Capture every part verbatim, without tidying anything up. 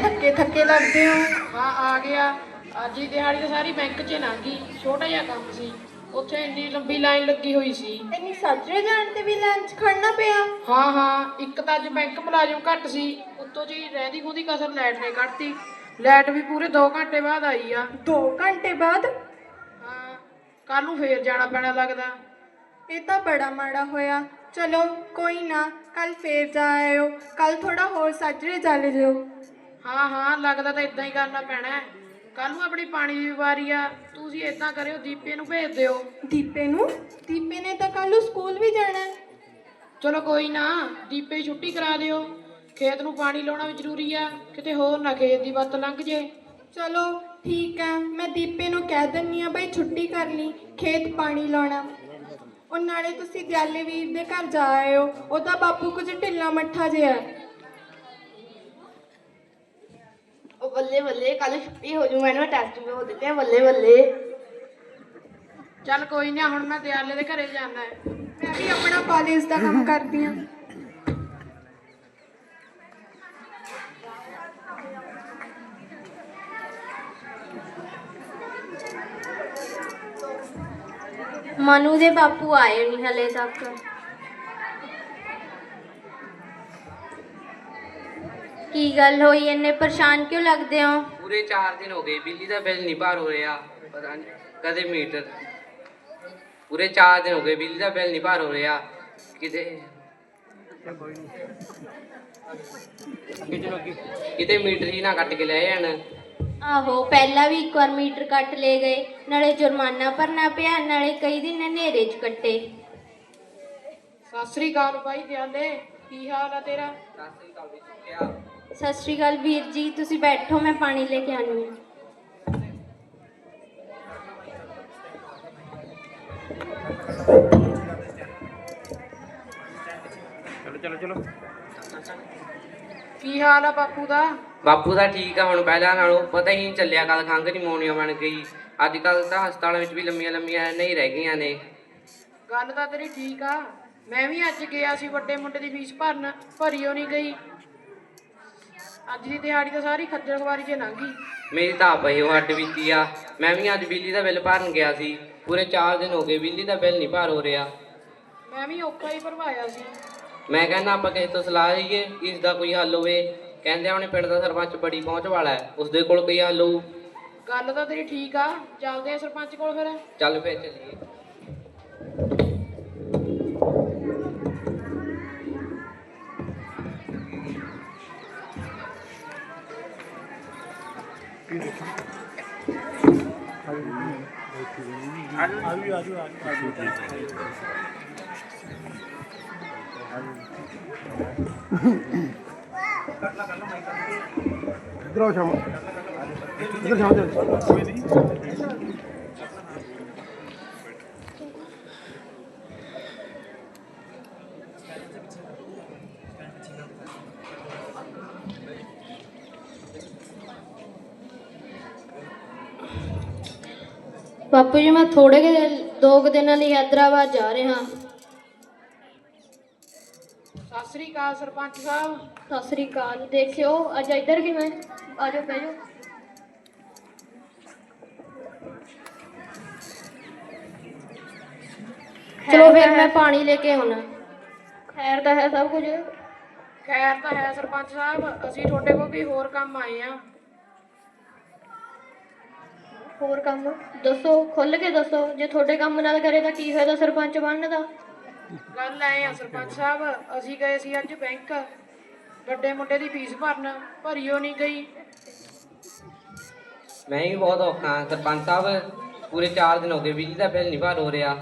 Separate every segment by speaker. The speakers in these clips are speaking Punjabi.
Speaker 1: ਥੱਕੇ ਥੱਕੇ ਲੱਗਦੇ ਹੋ।
Speaker 2: ਹਾਂ ਆ ਗਿਆ। ਅੱਜ ਦੀ ਦਿਹਾੜੀ ਤਾਂ ਸਾਰੀ ਬੈਂਕ 'ਚ ਲੰਘ ਗਈ। ਛੋਟਾ ਜਿਹਾ ਕੰਮ ਸੀ, ਉੱਥੇ ਇੰਨੀ ਲੰਬੀ ਲਾਈਨ ਲੱਗੀ ਹੋਈ ਸੀ।
Speaker 1: ਇੰਨੀ ਸਾਜਰੇ ਜਾਣ ਤੇ ਵੀ ਲਾਈਨ 'ਚ ਖੜਨਾ ਪਿਆ।
Speaker 2: ਹਾਂ ਹਾਂ, ਇੱਕ ਤਾਂ ਅੱਜ ਬੈਂਕ ਮੁਲਾਜ਼ਮ ਘੱਟ ਸੀ, ਉੱਤੋਂ ਜੀ ਰਹਿੰਦੀ ਖੂਦੀ ਕਸਰ ਲਾਈਟ ਨੇ ਕੱਢਤੀ। ਲਾਈਟ ਵੀ ਪੂਰੇ ਦੋ ਘੰਟੇ ਬਾਅਦ ਆਈ ਆ।
Speaker 1: ਦੋ ਘੰਟੇ ਬਾਅਦ?
Speaker 2: ਹਾਂ, ਕੱਲ ਨੂੰ ਫੇਰ ਜਾਣਾ ਪੈਣਾ ਲੱਗਦਾ।
Speaker 1: ਇਹ ਤਾਂ ਬੜਾ ਮਾੜਾ ਹੋਇਆ। ਚਲੋ ਕੋਈ ਨਾ, ਕੱਲ ਫੇਰ ਜਾ ਆਇਓ। ਕੱਲ ਥੋੜਾ ਹੋਰ ਸਾਜਰੇ ਚੱਲ ਜਿਓ।
Speaker 2: ਹਾਂ ਹਾਂ, ਲੱਗਦਾ ਤਾਂ ਇਦਾਂ ਹੀ ਕਰਨਾ ਪੈਣਾ। ਕੱਲ ਨੂੰ ਆਪਣੀ ਪਾਣੀ ਦੀ ਵਾਰੀ ਆ। ਤੁਸੀਂ ਏਦਾਂ ਕਰਿਓ, ਦੀਪੇ ਨੂੰ ਭੇਜ ਦਿਓ।
Speaker 1: ਦੀਪੇ ਨੂੰ? ਦੀਪੇ ਨੇ ਤਾਂ ਕੱਲ ਨੂੰ ਸਕੂਲ ਵੀ ਜਾਣਾ।
Speaker 2: ਚਲੋ ਕੋਈ ਨਾ, ਦੀਪੇ ਦੀ ਛੁੱਟੀ ਕਰਾ ਦਿਓ। ਖੇਤ ਨੂੰ ਪਾਣੀ ਲਾਉਣਾ ਵੀ ਜ਼ਰੂਰੀ ਆ, ਕਿਤੇ ਹੋਰ ਨਾ ਖੇਤ ਦੀ ਵੱਤ ਲੰਘ ਜੇ।
Speaker 1: ਚਲੋ ਠੀਕ ਆ, ਮੈਂ ਦੀਪੇ ਨੂੰ ਕਹਿ ਦਿੰਦੀ ਆ ਬਈ ਛੁੱਟੀ ਕਰ ਲਈ, ਖੇਤ ਪਾਣੀ ਲਾਉਣਾ। ਉਹ ਨਾਲੇ ਤੁਸੀਂ ਦਿਆਲੇ ਵੀਰ ਦੇ ਘਰ ਜਾ ਆਇਓ, ਉਹਦਾ ਬਾਪੂ ਕੁਝ ਢਿੱਲਾ ਮੱਠਾ ਜਿਹਾ।
Speaker 3: ਉਹ ਬੱਲੇ ਬੱਲੇ, ਕੱਲ ਛੁੱਟੀ ਹੋ ਜੂ, ਮੈਨੂੰ ਟੈਸਟ ਵੀ ਹੋ ਦਿੱਤੇ। ਬੱਲੇ ਬੱਲੇ।
Speaker 2: ਚੱਲ ਕੋਈ ਨਾ, ਹੁਣ ਮੈਂ ਦਿਆਲੇ ਦੇ ਘਰੇ ਜਾਣਾ ਹੈ।
Speaker 1: ਮੈਂ ਵੀ ਆਪਣਾ ਕਾਲਜ ਦਾ ਕੰਮ ਕਰਦੀ ਹਾਂ।
Speaker 4: ਮਨੂ ਦੇ ਬਾਪੂ ਆਏ ਨਹੀਂ ਹਲੇ ਤੱਕ। ਕੀ ਗੱਲ ਹੋਈ, ਇੰਨੇ ਪਰੇਸ਼ਾਨ ਕਿਉਂ ਲੱਗਦੇ ਹੋ?
Speaker 5: ਪੂਰੇ ਚਾਰ ਦਿਨ ਹੋ ਗਏ, ਬਿਜਲੀ ਦਾ ਬਿੱਲ ਨਹੀਂ ਭਰ ਹੋ ਰਿਹਾ। ਪਤਾ ਨਹੀਂ ਕਦੇ ਮੀਟਰ। ਪੂਰੇ ਚਾਰ ਦਿਨ ਹੋ ਗਏ, ਬਿਜਲੀ ਦਾ ਬਿੱਲ ਨਹੀਂ ਭਰ ਹੋ ਰਿਹਾ। ਕਿਤੇ ਕਿਤੇ ਮੀਟਰ ਹੀ ਨਾ ਕੱਟ ਕੇ ਲੈ ਜਾਣ।
Speaker 4: ਆਹੋ, ਪਹਿਲਾਂ ਵੀ ਇੱਕ ਵਾਰ ਮੀਟਰ ਕੱਟ ਲੈ ਗਏ, ਨਾਲੇ ਜੁਰਮਾਨਾ ਭਰਨਾ ਪਿਆ, ਨਾਲੇ ਕਈ ਦਿਨ ਹਨੇਰੇ 'ਚ ਕੱਟੇ।
Speaker 2: ਸਤਿ ਸ੍ਰੀ ਅਕਾਲ ਬਾਈ ਦਿਆਲੇ, ਕੀ ਹਾਲ ਆ ਤੇਰਾ?
Speaker 4: ਸਤਿ ਸ਼੍ਰੀ ਅਕਾਲ ਵੀਰ ਜੀ, ਤੁਸੀਂ ਬੈਠੋ, ਮੈਂ ਪਾਣੀ ਲੈ ਕੇ ਆਉਂਦੀ ਹਾਂ।
Speaker 5: ਚਲੋ ਚਲੋ ਚਲੋ।
Speaker 2: ਕੀ ਹਾਲ ਆ ਬਾਪੂ ਦਾ?
Speaker 5: ਬਾਪੂ ਦਾ ਠੀਕ ਆ ਹੁਣ, ਪਹਿਲਾਂ ਨਾਲੋਂ ਪਤਾ ਹੀ ਨਹੀਂ ਚੱਲਿਆ ਕਦ ਖੰਘ ਨਿਮੋਨੀਆ ਬਣ ਗਈ। ਅੱਜ ਕੱਲ੍ਹ ਤਾਂ ਹਸਪਤਾਲਾਂ ਵਿੱਚ ਵੀ ਲੰਮੀਆਂ ਲੰਮੀਆਂ ਨਹੀਂ ਰਹਿ ਗਈਆਂ ਨੇ।
Speaker 2: ਗੱਲ ਤਾਂ ਤੇਰੀ ਠੀਕ ਆ। ਮੈਂ ਵੀ ਅੱਜ ਗਿਆ ਸੀ ਵੱਡੇ ਮੁੰਡੇ ਦੀ ਫੀਸ ਭਰਨ, ਭਰੀ ਓ ਨਹੀਂ ਗਈ। ਅੱਜ ਦੀ ਦਿਹਾੜੀ ਤਾਂ ਸਾਰੀ ਖੱਜਲ ਖਵਾਰੀ 'ਚ ਲੰਘ ਗਈ।
Speaker 5: ਮੇਰੀ ਤਾਂ ਆਪ ਇਹੋ ਹੱਡ ਬੀਤੀ ਆ। ਮੈਂ ਵੀ ਅੱਜ ਬਿਜਲੀ ਦਾ ਬਿੱਲ ਭਰਨ ਗਿਆ ਸੀ। ਪੂਰੇ ਚਾਰ ਦਿਨ ਹੋ ਗਏ, ਬਿਜਲੀ ਦਾ ਬਿੱਲ ਨਹੀਂ ਭਰ ਹੋ ਰਿਹਾ।
Speaker 2: ਮੈਂ ਵੀ ਔਖਾ ਹੀ ਭਰਵਾਇਆ ਸੀ।
Speaker 5: ਮੈਂ ਕਹਿੰਦਾ ਆਪਾਂ ਕਿਸੇ ਤੋਂ ਸਲਾਹ ਲਈਏ, ਇਸ ਦਾ ਕੋਈ ਹੱਲ ਹੋਵੇ। ਕਹਿੰਦੇ ਆਪਣੇ ਪਿੰਡ ਦਾ ਸਰਪੰਚ ਬੜੀ ਪਹੁੰਚ ਵਾਲਾ ਹੈ, ਉਸਦੇ ਕੋਲ ਕੋਈ ਹੱਲ ਹੋਊ।
Speaker 2: ਗੱਲ ਤਾਂ ਤੇਰੀ ਠੀਕ ਆ, ਚੱਲਦੇ ਆ ਸਰਪੰਚ ਕੋਲ ਫਿਰ।
Speaker 5: ਚੱਲ ਫਿਰ ਚੱਲੀਏ।
Speaker 6: इधर आओ श्यामा, इधर श्यामा चल।
Speaker 4: ਬਾਪੂ ਜੀ, ਮੈਂ ਥੋੜੇ ਕੁ ਦੋ ਕੁ ਦਿਨਾਂ ਲਈ ਹੈਦਰਾਬਾਦ ਜਾ ਰਿਹਾ।
Speaker 2: ਸਤਿ ਸ੍ਰੀ ਅਕਾਲ ਸਰਪੰਚ ਸਾਹਿਬ।
Speaker 4: ਸਤਿ ਸ੍ਰੀ ਅਕਾਲ। ਦੇਖਿਓ ਅੱਜ ਇੱਧਰ ਕਿਵੇਂ? ਆ ਜਾਓ, ਬਹਿ ਜਾਓ। ਚਲੋ ਫਿਰ ਮੈਂ ਪਾਣੀ ਲੈ ਕੇ ਆਉਣਾ। ਖੈਰ ਤਾਂ ਹੈ ਸਭ ਕੁਝ?
Speaker 2: ਖੈਰ ਤਾਂ ਹੈ ਸਰਪੰਚ ਸਾਹਿਬ, ਅਸੀਂ ਤੁਹਾਡੇ ਕੋਲ ਵੀ ਹੋਰ ਕੰਮ ਆਏ ਆ।
Speaker 4: ਹੋਰ ਕੰਮ ਦੱਸੋ, ਖੁੱਲ ਕੇ ਦੱਸੋ। ਜੇ ਤੁਹਾਡੇ ਕੰਮ ਨਾਲ ਕਰੇ ਤਾਂ ਕੀ ਫਾਇਦਾ ਸਰਪੰਚ ਬਣਨ ਦਾ?
Speaker 2: ਗੱਲ ਐ ਆ ਸਰਪੰਚ ਸਾਹਿਬ, ਅਸੀਂ ਗਏ ਸੀ ਅੱਜ ਬੈਂਕ ਵੱਡੇ ਮੁੰਡੇ ਦੀ ਫੀਸ ਭਰਨ, ਭਰੀ ਓ ਨਹੀਂ ਗਈ।
Speaker 5: ਮੈਂ ਵੀ ਬਹੁਤ ਔਖਾ ਹਾਂ ਸਰਪੰਚ ਸਾਹਿਬ। ਪੂਰੇ ਚਾਰ ਦਿਨ ਹੋ ਗਏ, ਬਿਜਲੀ ਦਾ ਬਿੱਲ ਨਹੀਂ ਭਰ ਹੋ ਰਿਹਾ।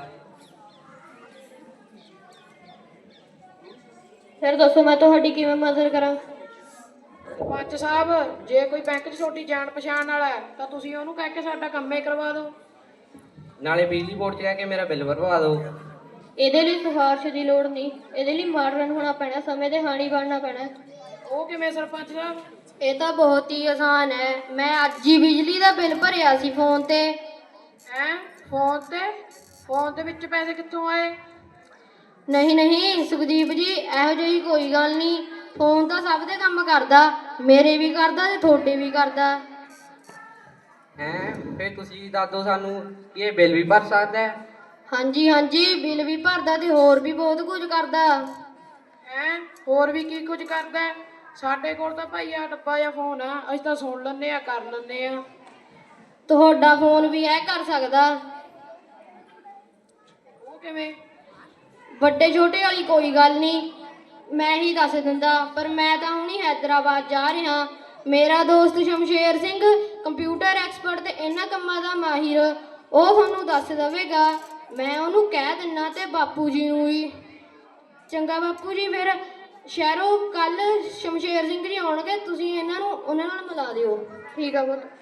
Speaker 4: ਫਿਰ ਦੱਸੋ ਮੈਂ ਤੁਹਾਡੀ ਕਿਵੇਂ ਮਦਦ ਕਰਾਂ?
Speaker 2: ਸਰਪੰਚ ਸਾਹਿਬ, ਜੇ ਕੋਈ ਬੈਂਕ 'ਚ ਛੋਟੀ ਜਾਣ ਪਛਾਣ ਵਾਲਾ ਹੈ ਤਾਂ ਤੁਸੀਂ ਉਹਨੂੰ ਕਹਿ ਕੇ ਸਾਡਾ ਕੰਮ ਹੀ ਕਰਵਾ ਦਿਓ।
Speaker 5: ਨਾਲੇ ਬਿਜਲੀ ਬੋਰਡ 'ਚ ਕਹਿ ਕੇ ਮੇਰਾ ਬਿੱਲ ਭਰਵਾ ਦਿਓ।
Speaker 4: ਇਹਦੇ ਲਈ ਸਿਫਾਰਿਸ਼ ਦੀ ਲੋੜ ਨਹੀਂ, ਇਹਦੇ ਲਈ ਮਾਡਰਨ ਹੋਣਾ ਪੈਣਾ, ਸਮੇਂ ਦੇ ਹਾਣੀ ਬਣਨਾ ਪੈਣਾ।
Speaker 2: ਉਹ ਕਿਵੇਂ ਸਰਪੰਚ ਸਾਹਿਬ?
Speaker 4: ਇਹ ਤਾਂ ਬਹੁਤ ਹੀ ਆਸਾਨ ਹੈ। ਮੈਂ ਅੱਜ ਹੀ ਬਿਜਲੀ ਦਾ ਬਿੱਲ ਭਰਿਆ ਸੀ ਫੋਨ ਤੇ।
Speaker 2: ਹੈਂ, ਫੋਨ ਤੇ? ਫੋਨ ਦੇ ਵਿੱਚ ਪੈਸੇ ਕਿੱਥੋਂ ਆਏ?
Speaker 4: ਨਹੀਂ ਨਹੀਂ ਸੁਖਦੀਪ ਜੀ, ਇਹੋ ਜਿਹੀ ਕੋਈ ਗੱਲ ਨਹੀਂ। ਫੋਨ ਤਾਂ ਸਭ ਦੇ ਕੰਮ ਕਰਦਾ, ਮੇਰੇ ਵੀ ਕਰਦਾ ਤੇ ਤੁਹਾਡੇ ਵੀ ਕਰਦਾ।
Speaker 5: ਹੈਂ ਫਿਰ ਤੁਸੀਂ ਦੱਸ ਦਿਓ ਸਾਨੂੰ ਕਿ ਇਹ ਬਿੱਲ ਵੀ ਭਰ ਸਕਦਾ ਹੈ?
Speaker 4: ਹਾਂਜੀ ਹਾਂਜੀ, ਬਿੱਲ ਵੀ ਭਰਦਾ ਤੇ ਹੋਰ ਵੀ ਬਹੁਤ ਕੁਝ ਕਰਦਾ।
Speaker 2: ਹੈਂ ਹੋਰ ਵੀ ਕੀ ਕੁਝ ਕਰਦਾ ਹੈ? ਸਾਡੇ ਕੋਲ ਤਾਂ ਭਾਈ ਆ ਡੱਬਾ ਜਾਂ ਫੋਨ ਆ, ਅਸੀਂ ਤਾਂ ਸੁਣ ਲੈਂਦੇ ਆ, ਕਰ ਲੈਂਦੇ ਆ।
Speaker 4: ਤੁਹਾਡਾ ਫੋਨ ਵੀ ਇਹ ਕਰ ਸਕਦਾ।
Speaker 2: ਉਹ ਕਿਵੇਂ?
Speaker 4: ਵੱਡੇ ਛੋਟੇ ਵਾਲੀ ਕੋਈ ਗੱਲ ਨਹੀਂ, ਮੈਂ ਹੀ ਦੱਸ ਦਿੰਦਾ, ਪਰ ਮੈਂ ਤਾਂ ਹੁਣੀ ਹੈਦਰਾਬਾਦ ਜਾ ਰਿਹਾ। ਮੇਰਾ ਦੋਸਤ ਸ਼ਮਸ਼ੇਰ ਸਿੰਘ ਕੰਪਿਊਟਰ ਐਕਸਪਰਟ ਤੇ ਇਹਨਾਂ ਕੰਮਾਂ ਦਾ ਮਾਹਿਰ, ਉਹ ਤੁਹਾਨੂੰ ਦੱਸ ਦੇਵੇਗਾ। ਮੈਂ ਉਹਨੂੰ ਕਹਿ ਦਿੰਨਾ ਤੇ ਬਾਪੂ ਜੀ ਨੂੰ ਵੀ। ਚੰਗਾ ਬਾਪੂ ਜੀ, ਫਿਰ ਸ਼ਹਿਰੋਂ ਕੱਲ ਸ਼ਮਸ਼ੇਰ ਸਿੰਘ ਜੀ ਆਉਣਗੇ, ਤੁਸੀਂ ਇਹਨਾਂ ਨੂੰ ਉਹਨਾਂ ਨਾਲ ਮਿਲਾ ਦਿਓ।
Speaker 2: ਠੀਕ ਆ ਪੁੱਤ।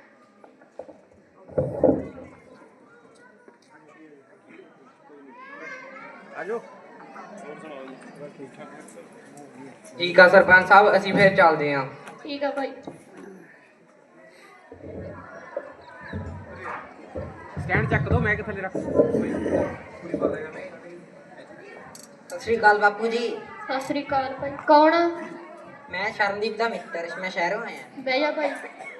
Speaker 6: ਆਜੋ
Speaker 5: ਠੀਕ ਆ ਸਰਪੰਚ ਸਾਹਿਬ, ਅਸੀਂ ਫਿਰ ਚੱਲਦੇ ਹਾਂ।
Speaker 4: ਠੀਕ ਆ ਭਾਈ।
Speaker 6: ਸਟੈਂਡ ਚੱਕ ਦੋ, ਮੈਂ ਕਿ ਥੱਲੇ ਰੱਖ।
Speaker 7: ਸਤਿ ਸ਼੍ਰੀ ਅਕਾਲ ਬਾਪੂ ਜੀ।
Speaker 4: ਸਤਿ ਸ੍ਰੀ ਅਕਾਲ ਭਾਈ। ਕੌਣ ਆ?
Speaker 7: ਮੈਂ ਸ਼ਰਨਦੀਪ ਦਾ ਮਿੱਤਰ, ਮੈਂ ਸ਼ਹਿਰੋਂ ਆਇਆ।
Speaker 4: ਬਹਿ ਜਾ ਭਾਈ।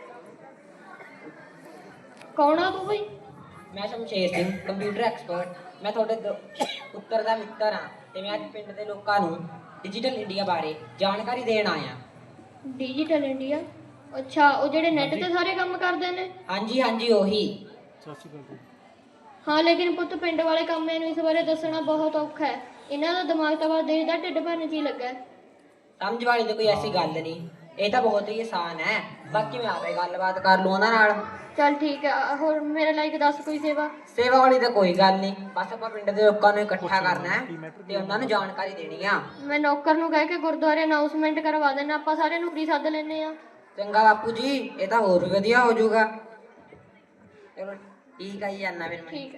Speaker 4: ਕੌਣ ਆ ਤੂੰ ਭਾਈ?
Speaker 7: ਮੈਂ ਸ਼ਮਸ਼ੇਰ ਸਿੰਘ ਕੰਪਿਊਟਰ ਐਕਸਪਰਟ। ਮੈਂ ਤੁਹਾਡੇ ਦੋ- ਪੁੱਤਰ ਦਾ ਮਿੱਤਰ ਹਾਂ ਤੇ ਮੈਂ ਅੱਜ ਪਿੰਡ ਦੇ ਲੋਕਾਂ ਨੂੰ ਡਿਜੀਟਲ ਇੰਡੀਆ ਬਾਰੇ ਜਾਣਕਾਰੀ ਦੇਣ ਆਇਆ।
Speaker 4: Digital India? ਅੱਛਾ, ਉਹ ਜਿਹੜੇ ਨੈਟ ਤੇ ਸਾਰੇ ਕੰਮ ਕਰਦੇ ਨੇ?
Speaker 7: ਹਾਂਜੀ ਹਾਂਜੀ ਉਹੀ।
Speaker 6: ਸਤਿ ਸ਼੍ਰੀ ਅਕਾਲ ਜੀ।
Speaker 4: ਹਾਂ, ਲੇਕਿਨ ਪੁੱਤ ਪਿੰਡ ਵਾਲੇ ਕੰਮ ਇਹਨੂੰ ਇਸ ਬਾਰੇ ਦੱਸਣਾ ਬਹੁਤ ਔਖਾ ਹੈ। ਇਹਨਾਂ ਦਾ ਦਿਮਾਗ ਤਾਂ ਬਸ ਦੇਖਦਾ ਢਿੱਡ ਭਰਨ 'ਚ ਹੀ ਲੱਗਾ ਹੈ।
Speaker 7: ਸਮਝ ਵਾਲੀ ਤਾਂ ਕੋਈ ਐਸੀ ਗੱਲ ਨਹੀਂ, ਇਹ ਤਾਂ ਬਹੁਤ ਹੀ ਆਸਾਨ ਹੈ। ਬਾਕੀ ਮੈਂ ਆਪੇ ਗੱਲਬਾਤ ਕਰ ਲੂ ਉਹਨਾਂ ਨਾਲ।
Speaker 4: ਚੱਲ ਠੀਕ ਹੈ। ਹੋਰ ਮੇਰੇ ਲਾਇਕ ਦੱਸ ਕੋਈ ਸੇਵਾ।
Speaker 7: ਸੇਵਾ ਵਾਲੀ ਤਾਂ ਕੋਈ ਗੱਲ ਨਹੀਂ, ਬਸ ਆਪਾਂ ਪਿੰਡ ਦੇ ਲੋਕਾਂ ਨੂੰ ਇਕੱਠਾ ਕਰਨਾ ਹੈ ਤੇ ਉਹਨਾਂ ਨੂੰ ਜਾਣਕਾਰੀ ਦੇਣੀ ਆ।
Speaker 4: ਮੈਂ ਨੌਕਰ ਨੂੰ ਕਹਿ ਕੇ ਗੁਰਦੁਆਰੇ ਅਨਾਉਂਸਮੈਂਟ ਕਰਵਾ ਦੇਣਾ, ਆਪਾਂ ਸਾਰੇ ਨੂੰ ਫ੍ਰੀ ਸੱਦ ਲੈਂਦੇ ਆ।
Speaker 7: ਚੰਗਾ ਬਾਪੂ ਜੀ, ਇਹ ਤਾਂ ਹੋਰ ਵੀ ਵਧੀਆ ਹੋ ਜਾਊਗਾ। ਚਲੋ ਠੀਕ ਆ ਜੀ, ਜਾਨਾ ਫਿਰ ਮੈਂ।
Speaker 4: ਠੀਕ ਹੈ।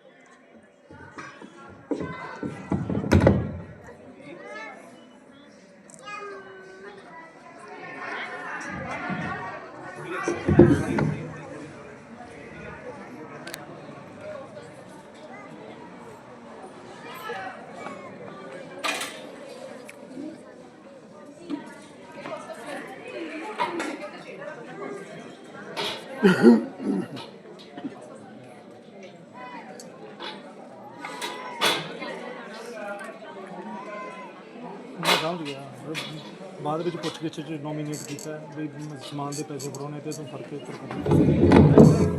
Speaker 6: ਮੈਂ ਸਮਝ ਗਿਆ। ਬਾਅਦ ਵਿੱਚ ਪੁੱਛ ਗਿੱਛ ਚ ਨੋਮੀਨੇਟ ਕੀਤਾ ਵੀ ਸਮਾਨ ਦੇ ਪੈਸੇ ਫੜਾਉਣੇ ਤੇ ਤੂੰ ਫੜ ਕੇ ਉੱਪਰ ਕਰ।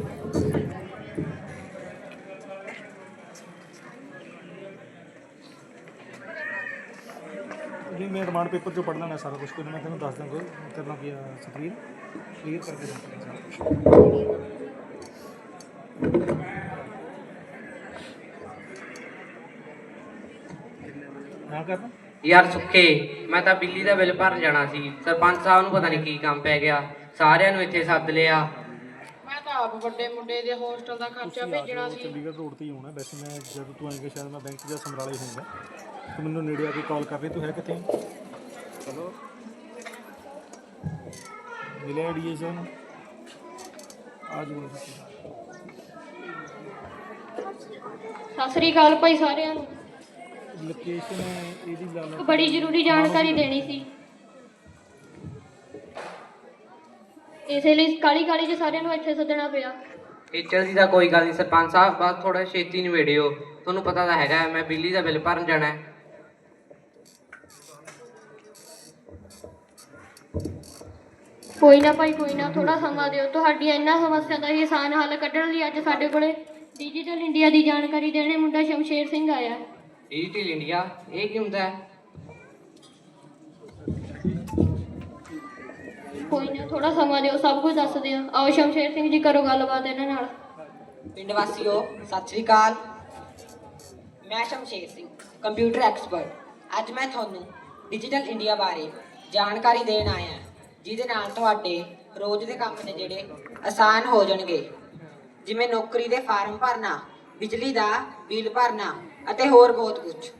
Speaker 6: ਜੀ ਮੈਂ ਰਿਮਾਂਡ ਪੇਪਰ ਚੋਂ ਪੜ੍ਹ ਲੈਣਾ ਸਾਰਾ ਕੁਝ, ਕੋਈ ਮੈਂ ਤੈਨੂੰ ਦੱਸ ਦਾਂਗਾ ਕਰਨਾ ਕੀ ਆ। ਸਕਰੀਨ ਕਲੀਅਰ ਕਰਕੇ ਦੱਸ। ਹਾਂ ਕਰਨਾ।
Speaker 5: ਯਾਰ ਸੁੱਖੇ, ਮੈਂ ਤਾਂ ਬਿੱਲੀ ਦਾ ਬਿੱਲ ਭਰਨ ਜਾਣਾ ਸੀ। ਸਰਪੰਚ ਸਾਹਿਬ ਨੂੰ ਪਤਾ ਨਹੀਂ ਕੀ ਕੰਮ ਪੈ ਗਿਆ, ਸਾਰਿਆਂ ਨੂੰ ਇੱਥੇ ਸੱਦ ਲਿਆ।
Speaker 2: ਮੈਂ ਤਾਂ ਆਪ ਵੱਡੇ ਮੁੰਡੇ ਦੇ ਹੋਸਟਲ ਦਾ ਖਰਚਾ ਭੇਜਣਾ ਸੀ।
Speaker 6: ਚੰਡੀਗੜ੍ਹ ਰੋਡ ਤੇ ਹੀ ਹੋਣਾ ਵੈਸੇ। ਮੈਂ ਜਦ ਤੂੰ ਆਏਂਗਾ ਸ਼ਾਇਦ ਮੈਂ ਬੈਂਕ ਜਾਂ ਸਮਰਾਲੇ ਹੋਊਂਗਾ। ਤੂੰ ਮੈਨੂੰ ਨੇੜੇ ਆ ਕੇ ਕਾਲ ਕਰ ਰਹੀ, ਤੂੰ ਹੈ ਕਿੱਥੇ? ਚਲੋ ਮਿਲਿਆ ਐਡੀਏਸ਼ਨ ਆ ਜੂਗਾ।
Speaker 4: ਸਤਿ ਸ੍ਰੀ ਅਕਾਲ ਭਾਈ ਸਾਰਿਆਂ ਨੂੰ।
Speaker 6: ਲੋਕੇਸ਼ਨ ਇਹਦੀ ਲਾ
Speaker 4: ਇੱਕ
Speaker 6: ਲਓ।
Speaker 4: ਬੜੀ ਜ਼ਰੂਰੀ ਜਾਣਕਾਰੀ ਦੇਣੀ ਸੀ, ਇਸੇ ਲਈ ਕਾਲੀ ਕਾਲੀ ਚ ਸਾਰਿਆਂ ਨੂੰ ਇੱਥੇ ਸੱਦਣਾ ਪਿਆ।
Speaker 5: ਟੀਚਰ ਦੀ ਤਾਂ ਕੋਈ ਗੱਲ ਨਹੀਂ ਸਰਪੰਚ ਸਾਹਿਬ, ਬਸ ਥੋੜਾ ਛੇਤੀ ਨਿਬੇੜਿਓ। ਤੁਹਾਨੂੰ ਪਤਾ ਤਾਂ ਹੈਗਾ ਮੈਂ ਬਿੱਲੀ ਦਾ ਬਿੱਲ ਭਰਨ ਜਾਣਾ ਹੈ।
Speaker 4: ਕੋਈ ਨਾ ਭਾਈ, ਕੋਈ ਨਾ, ਥੋੜਾ ਸਮਾਂ ਦਿਓ। ਤੁਹਾਡੀਆਂ ਇਹਨਾਂ ਸਮੱਸਿਆ ਦਾ ਹੀ ਆਸਾਨ ਹੱਲ ਕੱਢਣ ਲਈ ਅੱਜ ਸਾਡੇ ਕੋਲੇ ਡਿਜੀਟਲ ਇੰਡੀਆ ਦੀ ਜਾਣਕਾਰੀ ਦੇਣੇ ਮੁੰਡਾ ਸ਼ਮਸ਼ੇਰ ਸਿੰਘ ਆਇਆ।
Speaker 5: ਡਿਜੀਟਲ ਇੰਡੀਆ ਇਹ ਕੀ ਹੁੰਦਾ ਹੈ?
Speaker 4: ਕੋਈ ਨਾ, ਥੋੜਾ ਸਮਾਂ ਦਿਓ, ਸਭ ਕੁਝ ਦੱਸਦੇ ਆ। ਆਓ ਸ਼ਮਸ਼ੇਰ ਸਿੰਘ ਜੀ, ਕਰੋ ਗੱਲਬਾਤ ਇਹਨਾਂ ਨਾਲ।
Speaker 7: ਪਿੰਡ ਵਾਸੀਓ ਸਤਿ ਸ਼੍ਰੀ ਅਕਾਲ। ਮੈਂ ਸ਼ਮਸ਼ੇਰ ਸਿੰਘ ਕੰਪਿਊਟਰ ਐਕਸਪਰਟ। ਅੱਜ ਮੈਂ ਤੁਹਾਨੂੰ ਡਿਜੀਟਲ ਇੰਡੀਆ ਬਾਰੇ ਜਾਣਕਾਰੀ ਦੇਣ ਆਇਆ, ਜਿਹਦੇ ਨਾਲ ਤੁਹਾਡੇ ਰੋਜ਼ ਦੇ ਕੰਮ ਨੇ ਜਿਹੜੇ ਆਸਾਨ ਹੋ ਜਾਣਗੇ, ਜਿਵੇਂ ਨੌਕਰੀ ਦੇ ਫਾਰਮ ਭਰਨਾ, ਬਿਜਲੀ ਦਾ ਬਿੱਲ ਭਰਨਾ ਅਤੇ ਹੋਰ ਬਹੁਤ ਕੁਝ।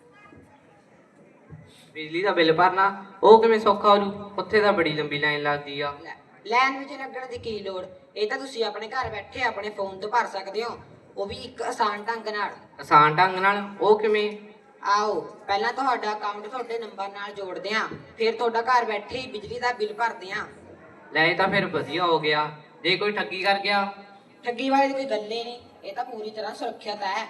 Speaker 5: ਬਿਜਲੀ ਦਾ ਬਿੱਲ ਭਰਨਾ ਉਹ ਕਿਵੇਂ ਸੌਖਾ ਹੋ ਜੂ? ਉੱਥੇ ਤਾਂ ਬੜੀ ਲੰਬੀ ਲਾਈਨ ਲੱਗਦੀ ਆ।
Speaker 7: ਲਾਈਨ ਵਿੱਚ ਲੱਗਣ ਦੀ ਕੀ ਲੋੜ, ਇਹ ਤਾਂ ਤੁਸੀਂ ਆਪਣੇ ਘਰ ਬੈਠੇ ਆਪਣੇ ਫੋਨ ਤੋਂ ਭਰ ਸਕਦੇ ਹੋ, ਉਹ ਵੀ ਇੱਕ ਆਸਾਨ ਢੰਗ ਨਾਲ।
Speaker 5: ਆਸਾਨ ਢੰਗ ਨਾਲ ਉਹ ਕਿਵੇਂ?
Speaker 7: ਆਓ ਪਹਿਲਾਂ ਤੁਹਾਡਾ ਅਕਾਊਂਟ ਤੁਹਾਡੇ ਨੰਬਰ ਨਾਲ ਜੋੜਦੇ ਹਾਂ, ਫਿਰ ਤੁਹਾਡਾ ਘਰ ਬੈਠੇ ਹੀ ਬਿਜਲੀ ਦਾ ਬਿੱਲ ਭਰਦੇ ਹਾਂ।
Speaker 5: ਲੈ ਇਹ ਤਾਂ ਫਿਰ ਵਧੀਆ ਹੋ ਗਿਆ। ਜੇ ਕੋਈ ਠੱਗੀ ਕਰ ਗਿਆ?
Speaker 7: ਠੱਗੀ ਵਾਲੀ ਤਾਂ ਕੋਈ ਗੱਲ ਹੀ ਨਹੀਂ, ਇਹ ਤਾਂ ਪੂਰੀ ਤਰ੍ਹਾਂ ਸੁਰੱਖਿਅਤ ਹੈ।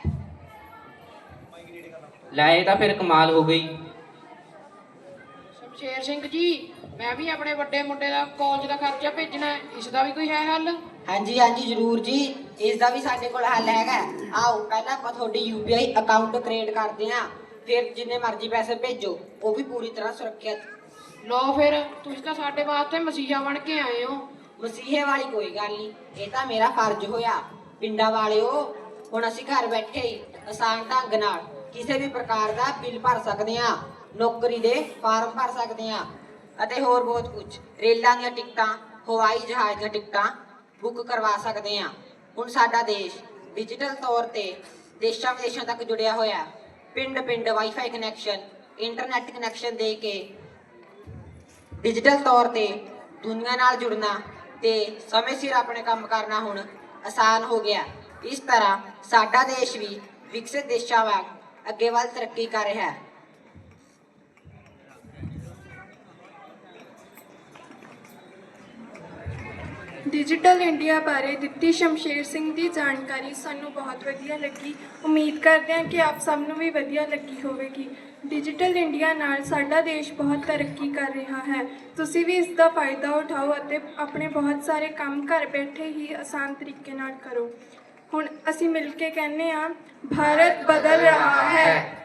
Speaker 5: ਲੈ ਇਹ ਤਾਂ ਫਿਰ ਕਮਾਲ ਹੋ ਗਈ।
Speaker 2: ਸ਼ਮਸ਼ੇਰ ਸਿੰਘ ਜੀ, ਮੈਂ ਵੀ ਆਪਣੇ ਵੱਡੇ ਮੁੰਡੇ ਦਾ ਕਾਲਜ ਦਾ ਖਰਚਾ ਭੇਜਣਾ ਹੈ, ਇਸ ਦਾ ਵੀ ਕੋਈ ਹੈ ਹੱਲ?
Speaker 7: ਹਾਂਜੀ ਹਾਂਜੀ ਜ਼ਰੂਰ ਜੀ, ਇਸ ਦਾ ਵੀ ਸਾਡੇ ਕੋਲ ਹੱਲ ਹੈਗਾ। ਆਓ ਪਹਿਲਾਂ ਆਪਾਂ ਤੁਹਾਡੀ U P I account create ਕਰਦੇ ਹਾਂ, ਫਿਰ ਜਿੰਨੇ ਮਰਜ਼ੀ ਪੈਸੇ ਭੇਜੋ, ਉਹ ਵੀ ਪੂਰੀ ਤਰ੍ਹਾਂ ਸੁਰੱਖਿਅਤ।
Speaker 2: ਲਓ ਫਿਰ, ਤੁਸੀਂ ਤਾਂ ਸਾਡੇ ਵਾਸਤੇ ਮਸੀਹਾ ਬਣ ਕੇ ਆਏ ਹੋ।
Speaker 7: ਮਸੀਹੇ ਵਾਲੀ ਕੋਈ ਗੱਲ ਨਹੀਂ, ਇਹ ਤਾਂ ਮੇਰਾ ਫਰਜ਼ ਹੋਇਆ। ਪਿੰਡਾਂ ਵਾਲਿਓ, ਹੁਣ ਅਸੀਂ ਘਰ ਬੈਠੇ ਹੀ ਆਸਾਨ ਢੰਗ ਨਾਲ ਕਿਸੇ ਵੀ ਪ੍ਰਕਾਰ ਦਾ ਬਿੱਲ ਭਰ ਸਕਦੇ ਹਾਂ, ਨੌਕਰੀ ਦੇ ਫਾਰਮ ਭਰ ਸਕਦੇ ਹਾਂ ਅਤੇ ਹੋਰ ਬਹੁਤ ਕੁਝ। ਰੇਲਾਂ ਦੀਆਂ ਟਿਕਟਾਂ, ਹਵਾਈ ਜਹਾਜ਼ ਦੀਆਂ ਟਿਕਟਾਂ ਬੁੱਕ ਕਰਵਾ ਸਕਦੇ ਹਾਂ। ਹੁਣ ਸਾਡਾ ਦੇਸ਼ ਡਿਜੀਟਲ ਤੌਰ ਤੇ ਦੇਸ਼ਾਂ ਵਿਦੇਸ਼ਾਂ ਤੱਕ ਜੁੜਿਆ ਹੋਇਆ। ਪਿੰਡ ਪਿੰਡ ਵਾਈਫਾਈ ਕਨੈਕਸ਼ਨ, ਇੰਟਰਨੈਟ ਕਨੈਕਸ਼ਨ ਦੇ ਕੇ ਡਿਜੀਟਲ ਤੌਰ ਤੇ ਦੁਨੀਆ ਨਾਲ ਜੁੜਨਾ ਤੇ ਸਮੇਂ ਸਿਰ ਆਪਣੇ ਕੰਮ ਕਰਨਾ ਹੁਣ ਆਸਾਨ ਹੋ ਗਿਆ। ਇਸ ਤਰ੍ਹਾਂ ਸਾਡਾ ਦੇਸ਼ ਵੀ ਵਿਕਸਿਤ ਦੇਸ਼ਾਂ ਵਾਂਗ ਅੱਗੇ ਵੱਲ ਤਰੱਕੀ ਕਰ ਰਿਹਾ ਹੈ।
Speaker 1: ਡਿਜੀਟਲ ਇੰਡੀਆ ਬਾਰੇ ਦਿੱਤੀ ਸ਼ਮਸ਼ੇਰ ਸਿੰਘ ਦੀ ਜਾਣਕਾਰੀ ਸਾਨੂੰ ਬਹੁਤ ਵਧੀਆ ਲੱਗੀ। ਉਮੀਦ ਕਰਦੇ ਹਾਂ ਕਿ ਆਪ ਸਭ ਨੂੰ ਵੀ ਵਧੀਆ ਲੱਗੀ ਹੋਵੇਗੀ। ਡਿਜੀਟਲ ਇੰਡੀਆ ਨਾਲ ਸਾਡਾ ਦੇਸ਼ ਬਹੁਤ ਤਰੱਕੀ ਕਰ ਰਿਹਾ ਹੈ। ਤੁਸੀਂ ਵੀ ਇਸ ਦਾ ਫਾਇਦਾ ਉਠਾਓ ਅਤੇ ਆਪਣੇ ਬਹੁਤ ਸਾਰੇ ਕੰਮ ਘਰ ਬੈਠੇ ਹੀ ਆਸਾਨ ਤਰੀਕੇ ਨਾਲ ਕਰੋ। ਹੁਣ ਅਸੀਂ ਮਿਲ ਕੇ ਕਹਿੰਦੇ ਹਾਂ, ਭਾਰਤ ਬਦਲ ਰਿਹਾ ਹੈ।